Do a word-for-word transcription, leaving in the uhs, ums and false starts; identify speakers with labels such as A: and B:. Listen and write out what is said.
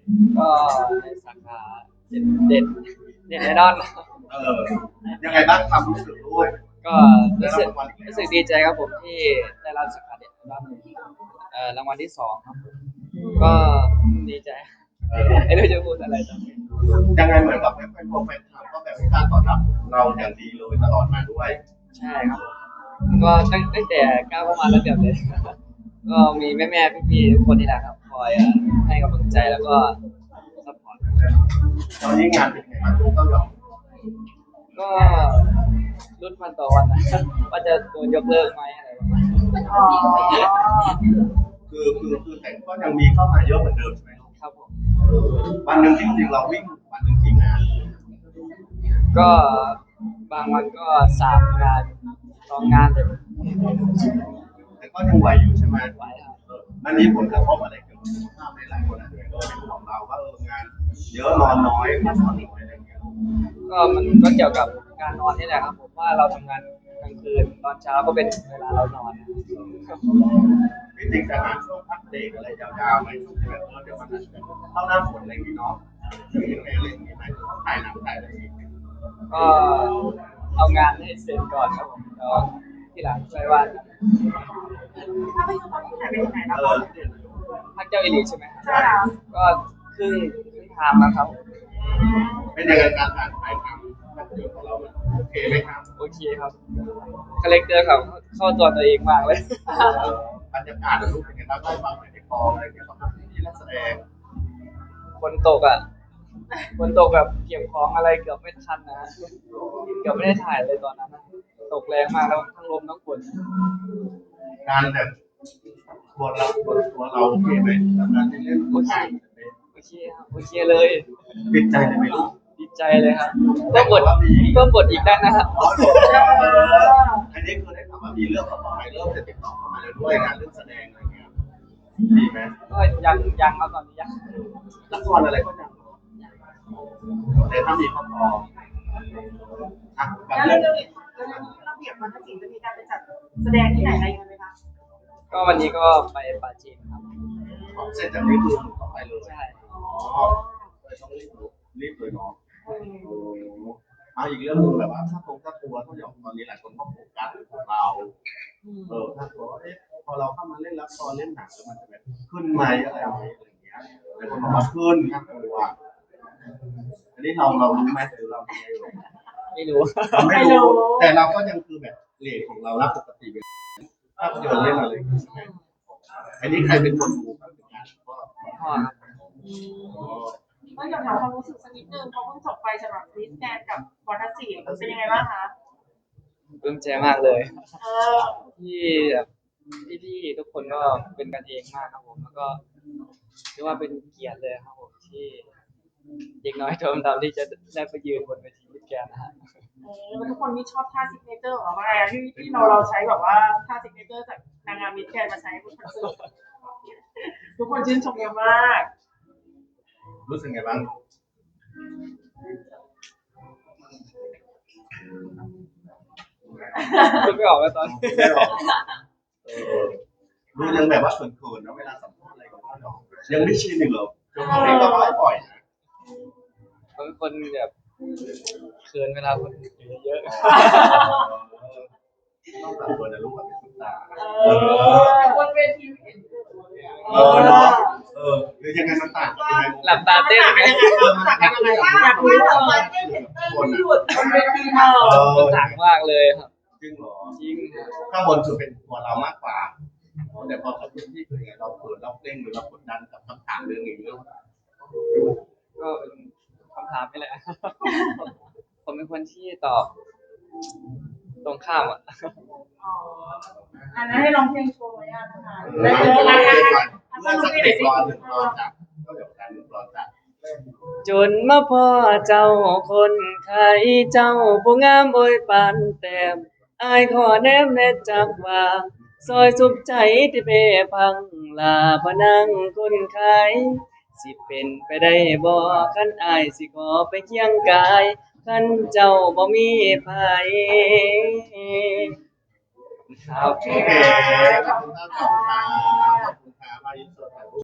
A: ก็ในสาขาเด็ดเด็ดเด็ดไอดอล
B: เออยังไงบ้างความรู้สึกด้วย
A: ก็รู้สึกรู้สึกดีใจครับผมที่ได้รับสาขาเด็ดไอดอลเอ่อรางวัลที่สองครับผมก็ดีใจไม่รู้จะพูดอะไรตอนนี้
B: ยังไงเหมือนกับแฟนแฟนแฟนคลับก็แบบการตอบรับเราอย่างดีเลยตลอดมาด้วย
A: ใช่ครับก็ตั้งตั้งแต่ก้าวเข้ามาแล้วเดี๋ยวเลยก็มีแม่แม่พี่พี่ทุกคนนี่แหละครับคอยให้กำลังใจแล้วก็ซัพพอร์ต
B: ตอนนี้งานเป็นไงบ้างลูกเต้าหยอง
A: ก็รุ่นวันต่อวันนะว่าจะโดนยกเลิกไหมอะไรประมาณนี้
B: คือคือคือแต่ก็ยังมีเข้ามาเยอะเหมือนเดิมใช่ไหมลูก
A: ครับผม
B: วันหนึ่งจริงๆเราวิ่งวันหนึ่งกี่งาน
A: ก็บางวันก็สามงานสองงานเลย
B: แต่ก็ยังไหวอยู่ใช่ไหม
A: ไหวครับ
B: มันมีผลกระทบอะไรเกี่ยวกับสุขภาพในหลายคนอาจจะเป็นห่วงเราว่าเอองานเยอะนอนน้อยพักผ่อนน้อยอะไรเงี้ย
A: ก็มันก็เกี่ยวกับการนอนนี่แหละครับผมว่าเราทำงานกลางคืนตอนเช้าก็เป็นเวลาเรานอน
B: พี่ติ๊กจะหาช่วงพักเบรกอะไรยาวๆไหมช่วงที่แบบเออเดี๋ยวมันอาจจะเข้าหน้าฝนอะไรอย่างงี้เนาะจะมีอะไรอะไรอย่างงี้ไหมถ่ายหนังถ่ายอะไรอย่างงี้
A: ก็เอางานให้เสร็จก่อนครับผมแล้วที่หลังช่วยว่า
C: ถ้าไปดูตอนนี้ถ่ายไปถึงไหนแล้วคะ
A: พักเจ้าอิลีใช่ไหม
C: ใช่ค่ะ
A: ก็ครึ่งครึ่งทางแล้วครับ
B: เป็นยังไงการถ่ายถ่ายทำภาพยนตร์ของเราโอเคไหมครับ
A: โอเคครับคาแรคเตอร์เขาเข้าตัวตัวเองมากเลย
B: บรรยากาศรูปเป็นไงบ้างได้ฟังหน่อยในกองอะไรเงี้ยครับที่นักแสดง
A: ฝนตกอ่ะฝนตกแบบเก็บของอะไรเกือบไม่ทันนะเกือบไม่ได้ถ่ายเลยตอนนั้นตกแรงมากแล้วทั้งลมทั้งฝน
B: งานแบบตัวเราตัวเราโอเคไหมงานที่เล่น
A: โอเคโอเคครับโอเคเลย
B: ติดใจเลยไหมลูก
A: ดีใจเลยครับเพิ่มบทเพิ่มบทอีกได้นะครับ
B: อันนี้คือได้ข่าวว่ามีเรื่องต่อไปเริ่มจะติดต่อเข้ามาแล้วด้วยงานเรื่องแสดงอะไรเงี้ยดีไหม
A: ก็ยังยังครับตอนนี้ยัง
B: ละครอะไรก็ยังแต่ถ้ามีก็พอ
C: อ่ะแล้วเรื่องนี้ระเบียบมันจะจะมีการไปจัดแสดงที่ไหนอะไรยังไงไหมคะ
A: ก็วันนี้ก็ไปปาจีนครับ
B: เสร็จจากนี้คือหนูต้องไปเลย
A: ใช่
B: อ๋อเลยต้องรีบรีบเลยเนาะเอาอีกเรื่องนึงแบบว่าถ้าตรงถ้าตัวถ้าอย่างตอนนี้หลายคนก็โฟกัสของเราเออถ้าตัวเอ๊ะพอเราเข้ามาเล่นละครเล่นหนังแล้วมันจะแบบขึ้นไหมอะไรไหมอะไรอย่างเงี้ยหลายคนบอกว่าขึ้นครับตัวอันนี้เราเรารู้ไหมหรือเรา
A: ไม่รู้
B: ไม่รู้แต่เราก็ยังคือแบบเรทของเรารับปกติภาพยนตร์เล่นอะไรใช่ไหมอันนี้ใครเป็นคนดูครับเป็นงานพ่อ
A: พ่อ
C: ก็อยากถามความรู้สึกสักนิดนึงเขาเพิ่งจบไปสำหรับคริสแกนกับวอร์ทัสซีเป็นยังไงบ้างคะ
A: ปลื้มใจมากเลยที่แบบพี่ๆทุกคนก็เป็นกันเองมากครับผมแล้วก็เรียกว่าเป็นเกียรติเลยครับผมที่เด็กน้อยโทมดำที่จะได้ไปยืนบนเวทีคริสแกนนะฮะ
C: ทุกคนนี่ชอบท่าซิกเนเจอร์ของเรามากที่ที่เราเราใช้แบบว่าท่าซิกเนเจอร์จากนางงามมิสแกรนมาใช้บนคอนเสิร์ตทุกคนชื่นชมเยอะมาก
B: รู้สึกไงบ้าง
A: พูดไม่ออกแล้วตอนนี้
B: ดูยังแบบว่าเขินๆนะเวลาสัมภาษณ์อะไรกับเรายังไม่ชินอีกเหรอจนตอนนี้ก็ไม่ปล่อยนะ
A: บางคนแบบเขินเวลาคนเยอะ
B: ต้องตัดตัวนะลูกแบบเป็นตา
C: บนเวทีเห็น
B: เออเนาะเออหรือยังไงมันต่างกันยังไง
A: หลับตาเต้นยังไง
C: ต่างกันยังไงว่าคุยกับมันเต้นเห็นเต้นที่หยุดบนเวทีเอ
A: อต่างมากเลยครับ
B: จริงเหรอ
A: จริง
B: ข้างบนคือเป็นตัวเรามากกว่าแต่พอกับที่คือไงเราเปิดเราเต้นหรือเรากดดันกับคำถามเรื่องนี้เรื่อง
A: ก็เป็นคำถามนี่แหละผมเป็นคนที่ตอบตรงข้ามอ่ะ
C: อันนั้นให้ลองเพลงโชว์ไว้อ่ะนะคะ
B: ได้เลยเมื่อสักเด็กรอหนึ่งรอจับก็เดี๋ยวกันรอจับ
A: จนมาพ่อเจ้าคนไทยเจ้าผู้งามโอยปานแต้มอายขอแนมแน่จักว่าซอยสุขใจที่เปพังลาพนังคนไข้สิเป็นไปได้บ่คันอายสิขอไปเคียงกายคันเจ้าบ่มีภัย
B: โอเคขอบคุณครับขอบคุณครับขอบคุณครับมาอินเสิร์ต